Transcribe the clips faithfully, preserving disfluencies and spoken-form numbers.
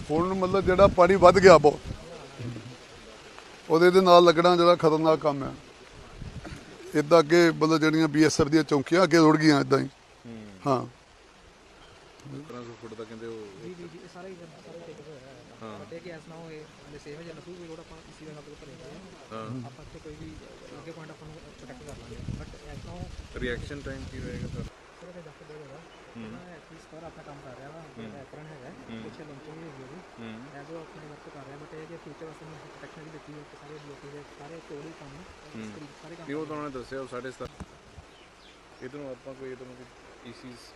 ਹੁਣ ਮਤਲਬ ਜਿਹੜਾ ਪਾਣੀ ਵੱਧ ਗਿਆ ਬਹੁਤ, ਉਹਦੇ ਦੇ ਨਾਲ ਲੱਗਣਾ ਜਿਹੜਾ ਖਤਰਨਾਕ ਕੰਮ ਹੈ। ਇੱਦਾਂ ਅੱਗੇ ਮਤਲਬ ਜਿਹੜੀਆਂ ਬੀ ਐਸ ਐਫ ਦੀਆਂ ਚੌਂਕੀਆਂ ਅੱਗੇ ਰੁੜ ਗਈਆਂ ਇੱਦਾਂ ਹੀ। ਹਾਂ ਫੁੱਟ ਦਾ ਕਹਿੰਦੇ ਉਹ ਜੀ ਜੀ ਜੀ ਸਾਰਾ ਹੀ ਸਾਰਾ ਟੇਕ ਹੋਇਆ ਹੈ। ਹਾਂ ਬਟ ਇਹ ਕਿ ਐਸ ਨਾ ਹੋਏ ਹਲੇ ਸੇਵ ਜਾਂ ਨਸੂ ਕੋਈ ਰੋਡ ਆਪਾਂ ਇਸੇ ਦੇ ਨਾਲ ਭਰੇ ਹੋਏ ਹਾਂ। ਆਪਾਂ ਇੱਥੇ ਕੋਈ ਵੀ ਅੱਗੇ ਪੁਆਇੰਟ ਆਪਾਂ ਨੂੰ ਪ੍ਰੋਟੈਕਟ ਕਰ ਲਾਂਗੇ, ਬਟ ਐਸ ਨਾ ਹੋ ਰਿਐਕਸ਼ਨ ਟਾਈਮ ਕੀ ਹੋਏਗਾ ਸਰ? ਸਰ ਇਹ ਦੱਸ ਦੇ ਹੋਗਾ ਮੈਂ ਐਟਲੀਸਟ ਸਰ ਆਪਣਾ ਕੰਮ ਕਰ ਰਿਹਾ ਵਾ, ਮੇਰਾ ਐਕਰਨ ਹੈਗਾ ਪਿੱਛੇ ਲਾਂਚਿੰਗ ਵੀ ਹੋਈ ਹੈ ਐ ਜੋ ਆਪਣੇ ਵਰਕ ਕਰ ਰਿਹਾ, ਬਟ ਇਹ ਕਿ ਫਿਊਚਰ ਵਾਸਤੇ ਮੈਂ ਪ੍ਰੋਟੈਕਸ਼ਨ ਵੀ ਦਿੱਤੀ ਹੈ ਕਿ ਸਾਰੇ ਡਿਊਟੀ ਦੇ ਸਾਰੇ ਕੋਲ ਹੀ ਕੰਮ ਸਾਰੇ ਕੰਮ। ਤੇ ਉਹ ਤਾਂ ਉਹਨੇ ਦੱਸਿਆ ਉਹ ਸਾਢੇ ਸੱਤ ਇਧਰੋਂ ਆਪਾਂ ਕੋਈ ਇਧਰੋਂ ਕੋਈ ਈਸੀਜ਼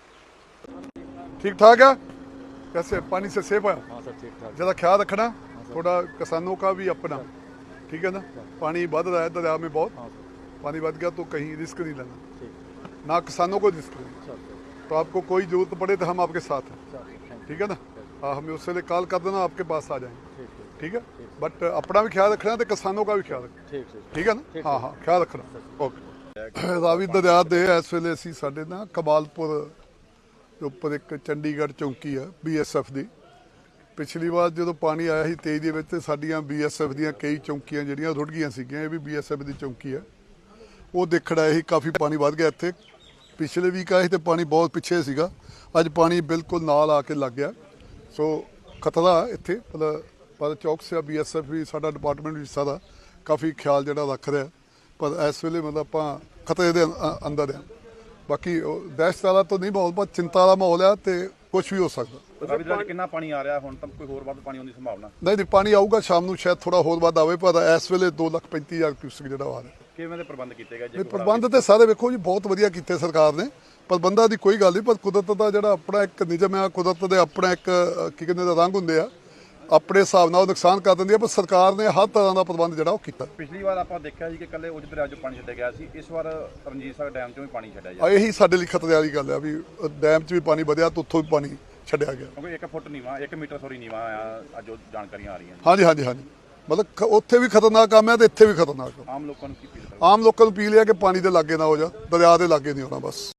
ठीक ठाक है। कैसे पानी से सेफ है? हाँ सर ठीक ठाक। ज़्यादा ख्याल रखना थोड़ा, किसानों का भी अपना, ठीक है ना। पानी बढ़ रहा है दरिया में बहुत, पानी बढ़ गया तो कहीं रिस्क नहीं लेना, ना किसानों को रिस्क लेना। तो आपको कोई ज़रूरत पड़े तो हम आपके साथ हैं, ठीक है ना। हाँ हमें उससे लिए कॉल कर देना, आपके पास आ जाएंगे, ठीक है। बट अपना भी ख्याल रखना तो किसानों का भी ख्याल रखना, ठीक है ना। हाँ हाँ ख्याल रखना। ओके। रावी दरिया दे इस वेले असीं साडे ना कमालपुर ਉੱਪਰ ਇੱਕ ਚੰਡੀਗੜ੍ਹ ਚੌਂਕੀ ਆ ਬੀ ਐਸ ਐਫ ਦੀ। ਪਿਛਲੀ ਵਾਰ ਜਦੋਂ ਪਾਣੀ ਆਇਆ ਸੀ ਤੇਈ ਦੇ ਵਿੱਚ ਤੇ ਸਾਡੀਆਂ ਬੀ ਐਸ ਐਫ ਦੀਆਂ ਕਈ ਚੌਂਕੀਆਂ ਜਿਹੜੀਆਂ ਰੁੜ ਗਈਆਂ ਸੀਗੀਆਂ। ਇਹ ਵੀ ਬੀ ਐਸ ਐਫ ਦੀ ਚੌਂਕੀ ਆ, ਉਹ ਦੇਖਣ ਆਏ ਸੀ। ਕਾਫੀ ਪਾਣੀ ਵੱਧ ਗਿਆ ਇੱਥੇ। ਪਿਛਲੇ ਵੀਕ ਆਏ ਸੀ ਤੇ ਪਾਣੀ ਬਹੁਤ ਪਿੱਛੇ ਸੀਗਾ, ਅੱਜ ਪਾਣੀ ਬਿਲਕੁਲ ਨਾਲ ਆ ਕੇ ਲੱਗ ਗਿਆ। ਸੋ ਖਤਰਾ ਇੱਥੇ ਮਤਲਬ ਪਰ ਚੌਕਸ ਆ ਬੀ ਐਸ ਐਫ ਵੀ, ਸਾਡਾ ਡਿਪਾਰਟਮੈਂਟ ਵੀ ਸਾਰਾ ਕਾਫੀ ਖਿਆਲ ਜਿਹੜਾ ਰੱਖ ਰਿਹਾ। ਪਰ ਇਸ ਵੇਲੇ ਮਤਲਬ ਆਪਾਂ ਖਤਰੇ ਦੇ ਅੰਦਰ ਆ। ਬਾਕੀ ਦਹਿਸ਼ਤ ਵਾਲਾ ਤਾਂ ਨਹੀਂ ਮਾਹੌਲ, ਪਰ ਚਿੰਤਾ ਵਾਲਾ ਮਾਹੌਲ ਆ ਤੇ ਕੁਝ ਵੀ ਹੋ ਸਕਦਾ। ਕਿੰਨਾ ਪਾਣੀ ਆ ਰਿਹਾ ਹੁਣ? ਤਾਂ ਕੋਈ ਹੋਰ ਵੱਧ ਪਾਣੀ ਆਉਣ ਦੀ ਸੰਭਾਵਨਾ ਨਹੀਂ ਨਹੀਂ ਪਾਣੀ ਆਊਗਾ ਸ਼ਾਮ ਨੂੰ, ਸ਼ਾਇਦ ਥੋੜਾ ਹੋਰ ਵੱਧ ਆਵੇ, ਪਰ ਇਸ ਵੇਲੇ ਦੋ ਲੱਖ ਪੈਂਤੀ ਹਜ਼ਾਰ ਕਿਊਸਕ ਜਿਹੜਾ ਆ ਰਿਹਾ। ਕਿਵੇਂ ਦੇ ਪ੍ਰਬੰਧ ਕੀਤੇ ਗਏ? ਇਹ ਪ੍ਰਬੰਧ ਤੇ ਸਾਰੇ ਵੇਖੋ ਜੀ ਬਹੁਤ ਵਧੀਆ ਕੀਤੇ ਸਰਕਾਰ ਨੇ। ਪ੍ਰਬੰਧਾਂ ਦੀ ਕੋਈ ਗੱਲ ਨਹੀਂ, ਪਰ ਕੁਦਰਤ ਦਾ ਜਿਹੜਾ ਆਪਣਾ ਇੱਕ ਨਿਯਮ ਆ, ਕੁਦਰਤ ਦੇ ਆਪਣਾ ਇੱਕ ਕੀ ਕਹਿੰਦੇ ਦਾ ਰੰਗ ਹੁੰਦੇ ਆ, ਆਪਣੇ ਹਿਸਾਬ ਨਾਲ ਉਹ ਨੁਕਸਾਨ ਕਰ ਦਿੰਦੀ ਆ। ਪਰ ਸਰਕਾਰ ਨੇ ਹਰ ਤਰ੍ਹਾਂ ਦਾ ਪ੍ਰਬੰਧ ਜਿਹੜਾ ਉਹ ਕੀਤਾ। ਪਿਛਲੀ ਵਾਰ ਆਪਾਂ ਦੇਖਿਆ ਸੀ ਕਿ ਕੱਲੇ ਉਜ ਦਰਿਆ ਚੋਂ ਪਾਣੀ ਛੱਡਿਆ ਗਿਆ ਸੀ, ਇਸ ਵਾਰ ਰਣਜੀਤ ਸਾਗਰ ਡੈਮ ਚੋਂ ਵੀ ਪਾਣੀ ਛੱਡਿਆ ਜਾ ਰਿਹਾ। ਇਹੀ ਸਾਡੇ ਲਈ ਖਤਰੇ ਵਾਲੀ ਗੱਲ ਆ ਵੀ ਡੈਮ 'ਚ ਵੀ ਪਾਣੀ ਵਧਿਆ ਤੇ ਉੱਥੋਂ ਵੀ ਪਾਣੀ ਛੱਡਿਆ ਗਿਆ, ਕਿਉਂਕਿ ਇੱਕ ਫੁੱਟ ਨੀਵਾ ਇੱਕ ਮੀਟਰ ਸੋਰੀ ਨੀਵਾ ਆ ਅੱਜ ਉਹ ਜਾਣਕਾਰੀਆਂ ਆ ਰਹੀਆਂ। ਹਾਂਜੀ ਹਾਂਜੀ ਹਾਂਜੀ ਮਤਲਬ ਉੱਥੇ ਵੀ ਖਤਰਨਾਕ ਕੰਮ ਹੈ ਤੇ ਇੱਥੇ ਵੀ ਖਤਰਨਾਕ ਕੰਮ। ਆਮ ਲੋਕਾਂ ਨੂੰ ਕੀ ਅਪੀਲ? ਆਮ ਲੋਕਾਂ ਨੂੰ ਅਪੀਲ ਹੈ ਕਿ ਪਾਣੀ ਦੇ ਲਾਗੇ ਨਾ ਹੋ ਜਾ, ਦਰਿਆ ਦੇ ਲਾਗੇ ਨਹੀਂ ਹੋਣਾ ਬਸ।